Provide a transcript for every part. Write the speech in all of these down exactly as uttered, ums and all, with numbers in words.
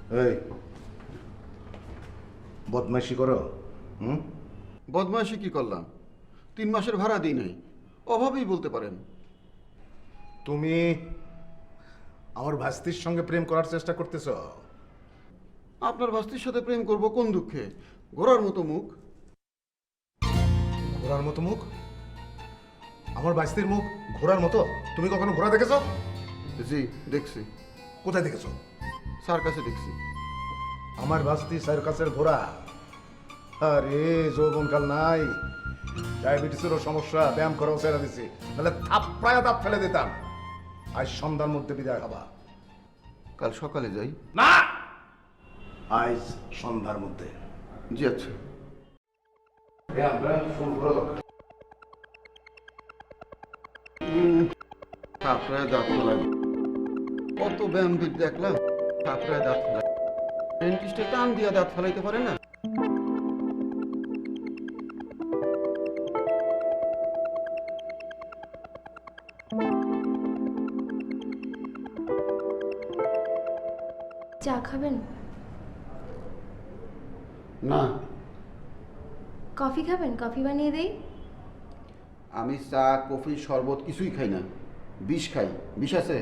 এই বদমাইশি করো? হুম? বদমাইশি কি করলাম? তিন মাসের ভাড়া দিই নাই, অভাবেই বলতে পারেন। তুমি আমার ভাস্তির সঙ্গে প্রেম করার চেষ্টা করতেছ? আপনার ভাস্তির সাথে প্রেম করব কোন দুঃখে? ঘোড়ার মতো মুখ। ঘোড়ার মতো মুখ? আমার ভাস্তির মুখ ঘোড়ার মতো? তুমি কখনো ঘোড়া দেখেছো? জি দেখছি, কোথায় দেখেছো? স্যার কাছে দেখছি। আমার ভাস্তি সার্কাসের ঘোড়া? আরে যৌবনকাল নাই, ডায়াবেটিসেরও সমস্যা, ব্যায়াম করাও ছেড়ে দিছি, নাহলে থাপ্পায়া দাঁত ফেলে দিতাম। আজ সন্ধ্যার মধ্যে বিদায় হবা। কাল সকালে যাই। না, আজ সন্ধ্যার মধ্যে। জি আচ্ছা। ব্যায়াম ব্যায়াম শুরু করো দরকার। থাপড়ায় দাঁত ফেলাই, কত ব্যায়াম বিদ দেখলাম, থাপড়ায় দাঁত ফেলাই। ডেন্টিস্টে টান দিয়া দাঁত ফেলাইতে পারে না। চা খাবেন? না, কফি খাবেন? কফি বানিয়ে দেই। আমি চা কফি শরবত কিছুই খাই না, বিষ খাই। বিষ আছে?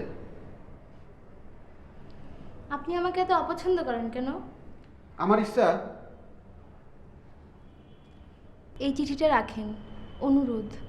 আপনি আমাকে এত অপছন্দ করেন কেন? আমার ইচ্ছা। এই চিঠিটা রাখেন, অনুরোধ।